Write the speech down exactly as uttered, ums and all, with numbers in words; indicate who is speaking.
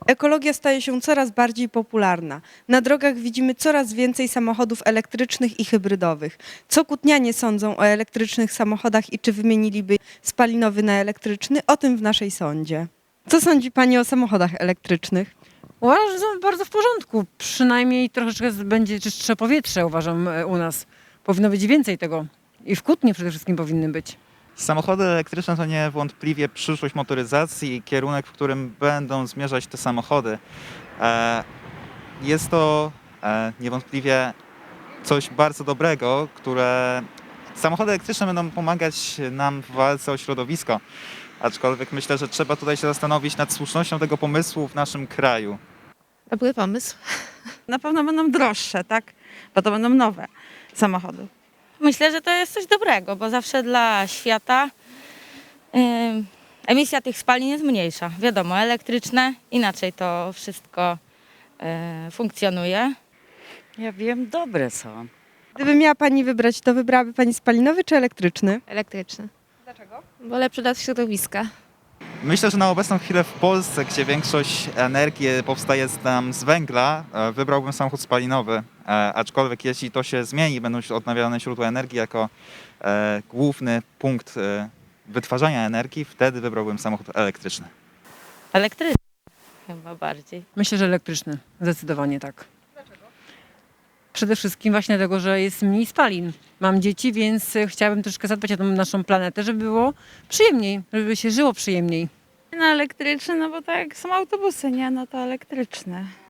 Speaker 1: Ekologia staje się coraz bardziej popularna. Na drogach widzimy coraz więcej samochodów elektrycznych i hybrydowych. Co kutnianie sądzą o elektrycznych samochodach i czy wymieniliby spalinowy na elektryczny? O tym w naszej sądzie. Co sądzi Pani o samochodach elektrycznych?
Speaker 2: Uważam, że są bardzo w porządku. Przynajmniej troszeczkę z- będzie czystsze powietrze, uważam, e, u nas. Powinno być więcej tego. I w Kutnie przede wszystkim powinny być.
Speaker 3: Samochody elektryczne to niewątpliwie przyszłość motoryzacji i kierunek, w którym będą zmierzać te samochody. E, Jest to e, niewątpliwie coś bardzo dobrego, które samochody elektryczne będą pomagać nam w walce o środowisko. Aczkolwiek myślę, że trzeba tutaj się zastanowić nad słusznością tego pomysłu w naszym kraju.
Speaker 4: Dobry pomysł.
Speaker 5: Na pewno będą droższe, tak? Bo to będą nowe samochody.
Speaker 6: Myślę, że to jest coś dobrego, bo zawsze dla świata ym, emisja tych spalin jest mniejsza. Wiadomo, elektryczne, inaczej to wszystko y, funkcjonuje.
Speaker 7: Ja wiem, dobre są.
Speaker 1: Gdyby miała Pani wybrać, to wybrałaby Pani spalinowy czy elektryczny?
Speaker 4: Elektryczny. Dlaczego? Bo lepszy dla środowiska.
Speaker 3: Myślę, że na obecną chwilę w Polsce, gdzie większość energii powstaje nam z węgla, e, wybrałbym samochód spalinowy. E, Aczkolwiek jeśli to się zmieni, będą się odnawialne źródła energii jako e, główny punkt e, wytwarzania energii, wtedy wybrałbym samochód elektryczny.
Speaker 6: Elektryczne chyba bardziej.
Speaker 2: Myślę, że elektryczny. Zdecydowanie tak. Dlaczego? Przede wszystkim właśnie dlatego, że jest mniej spalin. Mam dzieci, więc e, chciałabym troszkę zadbać o tą naszą planetę, żeby było przyjemniej, żeby się żyło przyjemniej.
Speaker 5: Na elektryczny, no bo tak jak są autobusy, nie? No to elektryczne.